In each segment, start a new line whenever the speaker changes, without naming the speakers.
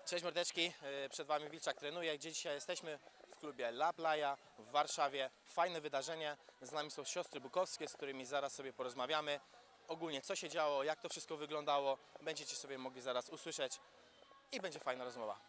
Cześć mordeczki, przed Wami Wilczak trenuje, gdzie dzisiaj jesteśmy w klubie La Playa w Warszawie. Fajne wydarzenie, z nami są siostry Bukowskie, z którymi zaraz sobie porozmawiamy. Ogólnie co się działo, jak to wszystko wyglądało, będziecie sobie mogli zaraz usłyszeć i będzie fajna rozmowa.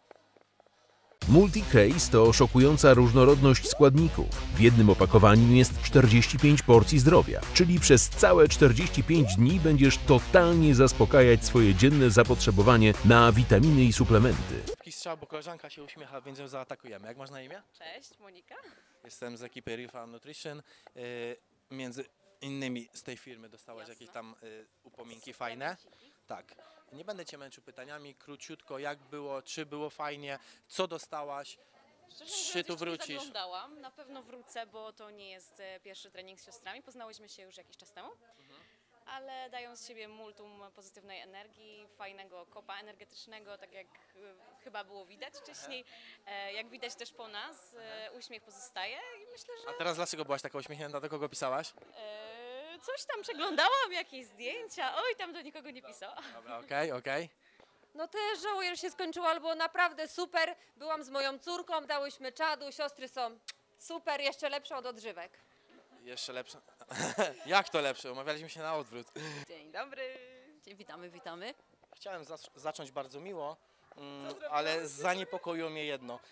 Multi-Case to szokująca różnorodność składników. W jednym opakowaniu jest 45 porcji zdrowia, czyli przez całe 45 dni będziesz totalnie zaspokajać swoje dzienne zapotrzebowanie na witaminy i suplementy.
Taki strzał, bo koleżanka się uśmiecha, więc ją zaatakujemy. Jak masz na imię?
Cześć, Monika.
Jestem z ekipy Real Farm Nutrition. Między innymi z tej firmy dostałaś
Jasne.
jakieś tam upominki fajne. Tak. Nie będę Cię męczył pytaniami, króciutko, jak było, czy było fajnie, co dostałaś,
Szczerze
czy
mówiąc,
tu
jeszcze nie
wrócisz?
zaglądałam. Na pewno wrócę, bo to nie jest pierwszy trening z siostrami. Poznałyśmy się już jakiś czas temu, ale dają z siebie multum pozytywnej energii, fajnego kopa energetycznego, tak jak chyba było widać wcześniej. Jak widać też po nas, uśmiech pozostaje i myślę, że
A teraz dlaczego byłaś taka uśmiechnięta, do kogo pisałaś?
coś tam przeglądałam, jakieś zdjęcia. Oj, tam do nikogo nie pisałam.
Dobra, okej.
No też żałuję, że się skończyło, ale było naprawdę super. Byłam z moją córką, dałyśmy czadu, siostry są super, jeszcze lepsze od odżywek.
Jeszcze lepsze. Jak to lepsze? Umawialiśmy się na odwrót.
Dzień dobry.
Witamy.
Chciałem zacząć bardzo miło, ale zaniepokoiło mnie jedno.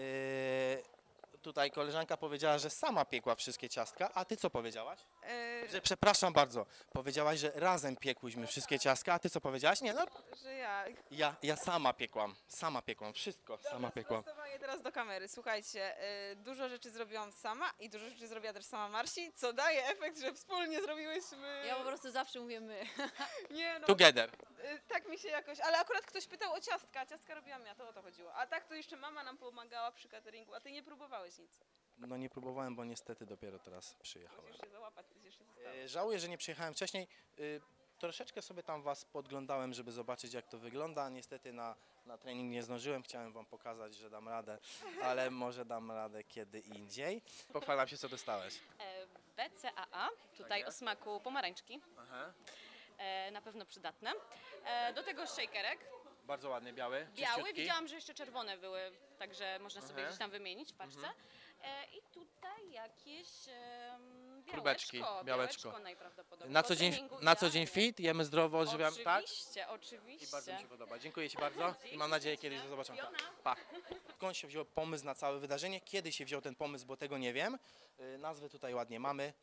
Tutaj koleżanka powiedziała, że sama piekła wszystkie ciastka, a ty co powiedziałaś? Że, przepraszam bardzo, powiedziałaś, że razem piekłyśmy wszystkie ciastka, a ty co powiedziałaś? Nie, no,
Że ja.
ja sama piekłam, wszystko sama piekłam.
Prostowanie teraz do kamery. Słuchajcie, dużo rzeczy zrobiłam sama i dużo rzeczy zrobiła też sama Marsi, co daje efekt, że wspólnie zrobiłyśmy.
Ja po prostu zawsze mówię my.
Nie no,
Together.
tak mi się jakoś, ale akurat ktoś pytał o ciastka, a ciastka robiłam ja, to o to chodziło. A tak to jeszcze mama nam pomagała przy cateringu, a ty nie próbowałeś nic.
No nie próbowałem, bo niestety dopiero teraz przyjechałem.
Musisz się załapać, coś jeszcze zostało.
Żałuję, że nie przyjechałem wcześniej. Troszeczkę sobie tam Was podglądałem, żeby zobaczyć, jak to wygląda. Niestety na trening nie zdążyłem. Chciałem Wam pokazać, że dam radę, ale może dam radę kiedy indziej. Pochwalam się, co dostałeś.
BCAA, tutaj
Tak
o
jest.
smaku pomarańczki.
Aha.
Na pewno przydatne. Do tego shakerek.
Bardzo ładny, biały.
Biały,
czyściutki.
widziałam, że jeszcze czerwone były, także można sobie
Aha.
gdzieś tam wymienić w paczce. I tutaj jakieś
Próbeczki, białeczko.
najprawdopodobniej.
Na
Po
co dzień,
treningu
na co dzień
idealnie.
fit, jemy zdrowo, odżywiam, tak?
Oczywiście.
I bardzo mi się podoba. Dziękuję Ci bardzo i mam nadzieję, kiedyś do zobaczenia. Pa. Skąd się wziął pomysł na całe wydarzenie? Kiedy się wziął ten pomysł, bo tego nie wiem. Nazwy tutaj ładnie mamy.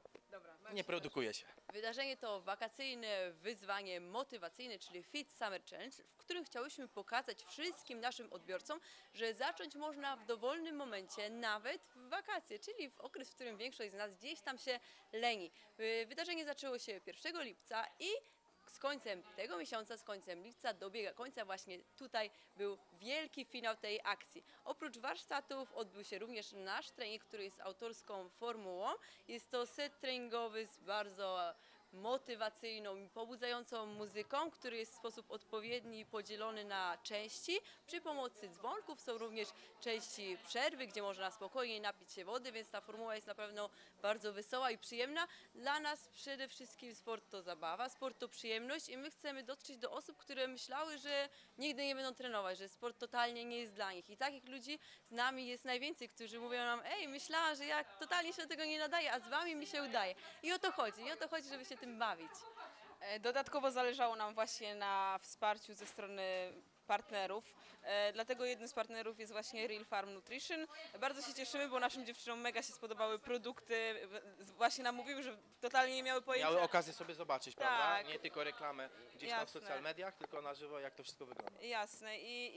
Nie produkuje się.
Wydarzenie to wakacyjne wyzwanie motywacyjne, czyli Fit Summer Challenge, w którym chciałyśmy pokazać wszystkim naszym odbiorcom, że zacząć można w dowolnym momencie, nawet w wakacje, czyli w okres, w którym większość z nas gdzieś tam się leni. Wydarzenie zaczęło się 1 lipca i z końcem tego miesiąca, z końcem lipca dobiega końca, właśnie tutaj był wielki finał tej akcji. Oprócz warsztatów odbył się również nasz trening, który jest autorską formułą. Jest to set treningowy z bardzo motywacyjną i pobudzającą muzyką, który jest w sposób odpowiedni podzielony na części. Przy pomocy dzwonków są również części przerwy, gdzie można spokojnie napić się wody, więc ta formuła jest na pewno bardzo wesoła i przyjemna. Dla nas przede wszystkim sport to zabawa, sport to przyjemność i my chcemy dotrzeć do osób, które myślały, że nigdy nie będą trenować, że sport totalnie nie jest dla nich. I takich ludzi z nami jest najwięcej, którzy mówią nam: ej, myślałam, że ja totalnie się do tego nie nadaję, a z wami mi się udaje. I o to chodzi, żeby się tym bawić.
Dodatkowo zależało nam właśnie na wsparciu ze strony partnerów, dlatego jednym z partnerów jest właśnie Real Farm Nutrition. Bardzo się cieszymy, bo naszym dziewczynom mega się spodobały produkty, właśnie nam mówiły, że totalnie nie miały pojęcia.
Miały okazję sobie zobaczyć, prawda?
Tak.
Nie tylko reklamę gdzieś tam w
Jasne.
social mediach, tylko na żywo, jak to wszystko wygląda.
Jasne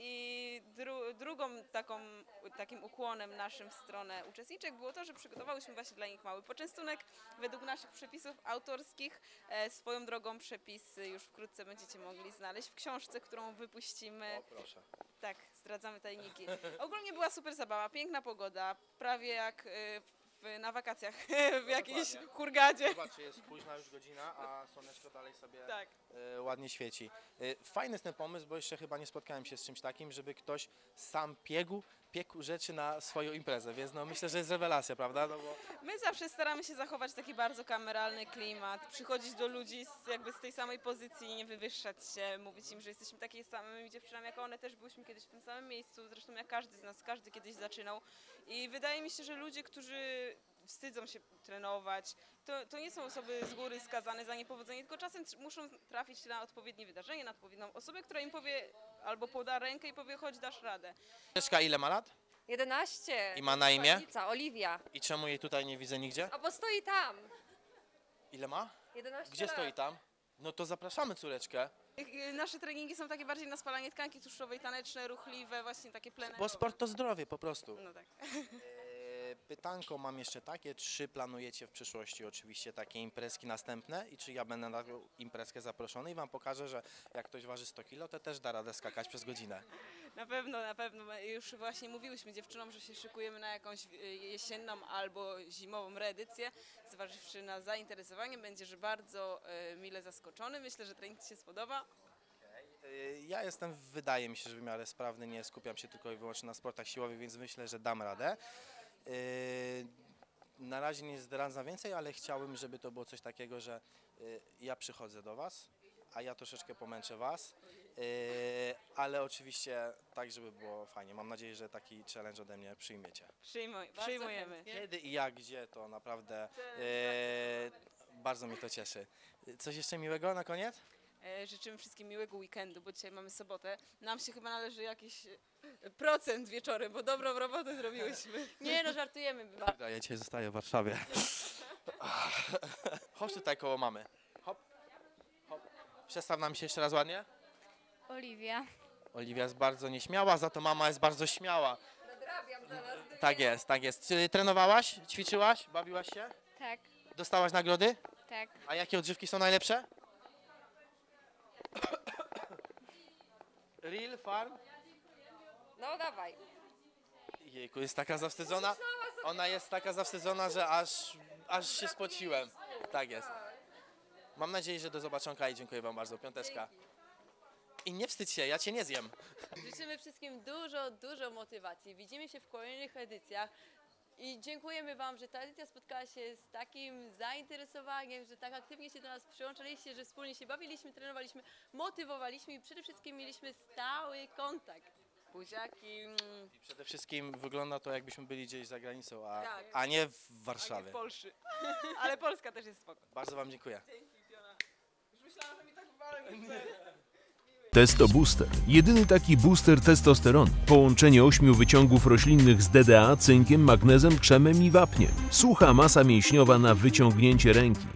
i drugą takim ukłonem naszym w stronę uczestniczek było to, że przygotowałyśmy właśnie dla nich mały poczęstunek według naszych przepisów autorskich. Swoją drogą przepisy już wkrótce będziecie mogli znaleźć w książce, którą wypuścimy.
O, proszę.
Tak, zdradzamy tajniki. Ogólnie była super zabawa, piękna pogoda, prawie jak na wakacjach w jakiejś hurgadzie.
Zobaczcie, jest późna już godzina, a słoneczko dalej sobie
Tak.
ładnie świeci. Fajny jest ten pomysł, bo jeszcze chyba nie spotkałem się z czymś takim, żeby ktoś sam piekł rzeczy na swoją imprezę, więc no myślę, że jest rewelacja, prawda? No bo
My zawsze staramy się zachować taki bardzo kameralny klimat, przychodzić do ludzi jakby z tej samej pozycji, nie wywyższać się, mówić im, że jesteśmy takimi samymi dziewczynami jak one, też byliśmy kiedyś w tym samym miejscu, zresztą jak każdy z nas, każdy kiedyś zaczynał i wydaje mi się, że ludzie, którzy wstydzą się trenować, to nie są osoby z góry skazane za niepowodzenie, tylko czasem muszą trafić na odpowiednie wydarzenie, na odpowiednią osobę, która im powie albo poda rękę i powie, chodź, dasz radę.
Agnieszka ile ma lat?
11.
I ma na imię?
Oliwia.
I czemu jej tutaj nie widzę nigdzie?
A bo stoi tam.
Ile ma?
11
Gdzie
lat.
stoi tam? No to zapraszamy córeczkę.
Nasze treningi są takie bardziej na spalanie tkanki tłuszczowej, taneczne, ruchliwe, właśnie takie plenerowe.
Bo sport to zdrowie po prostu.
No tak.
Pytanko mam jeszcze takie, czy planujecie w przyszłości oczywiście takie imprezki następne i czy ja będę na tą imprezkę zaproszony i wam pokażę, że jak ktoś waży 100 kg, to też da radę skakać przez godzinę.
Na pewno. My już właśnie mówiłyśmy dziewczynom, że się szykujemy na jakąś jesienną albo zimową reedycję. Zważywszy na zainteresowanie, będziesz bardzo mile zaskoczony. Myślę, że trening Ci się spodoba.
Ja jestem, wydaje mi się, że w miarę sprawny, nie skupiam się tylko i wyłącznie na sportach siłowych, więc myślę, że dam radę. Na razie nie zdradzam więcej, ale chciałbym, żeby to było coś takiego, że ja przychodzę do Was, a ja troszeczkę pomęczę Was, ale oczywiście tak, żeby było fajnie. Mam nadzieję, że taki challenge ode mnie przyjmiecie.
Przyjmujemy.
chętnie.
Kiedy i jak, gdzie, to naprawdę bardzo mnie to cieszy. Coś jeszcze miłego na koniec?
Życzymy wszystkim miłego weekendu, bo dzisiaj mamy sobotę. Nam się chyba należy jakiś procent wieczorem, bo dobrą robotę zrobiłyśmy.
Nie no, żartujemy.
Ja dzisiaj zostaję w Warszawie. Chodź tutaj koło mamy. Hop, hop. Przedstaw nam się jeszcze raz ładnie.
Oliwia.
Oliwia jest bardzo nieśmiała, za to mama jest bardzo śmiała.
Nadrabiam zaraz.
Tak jest, tak jest. Czy trenowałaś, ćwiczyłaś, bawiłaś się?
Tak,
Dostałaś nagrody?
tak.
A jakie odżywki są najlepsze? Real Farm?
No dawaj.
Jejku, jest taka zawstydzona. Ona jest taka zawstydzona, że aż się spociłem. Tak jest. Mam nadzieję, że do zobaczonka i dziękuję wam bardzo. Piąteczka. I nie wstydź się, ja cię nie zjem.
Życzymy wszystkim dużo motywacji. Widzimy się w kolejnych edycjach. I dziękujemy Wam, że ta edycja spotkała się z takim zainteresowaniem, że tak aktywnie się do nas przyłączyliście, że wspólnie się bawiliśmy, trenowaliśmy, motywowaliśmy i przede wszystkim mieliśmy stały kontakt. Buziaki.
I przede wszystkim wygląda to, jakbyśmy byli gdzieś za granicą,
Tak.
a nie w
A nie
Warszawie.
w Polsce. Ale Polska też jest spoko.
Bardzo wam dziękuję.
Dzięki, Piona. Już myślałam, że mi tak walnie.
Testo Booster. Jedyny taki booster testosteronu. Połączenie 8 wyciągów roślinnych z DDA, cynkiem, magnezem, krzemem i wapniem. Sucha masa mięśniowa na wyciągnięcie ręki.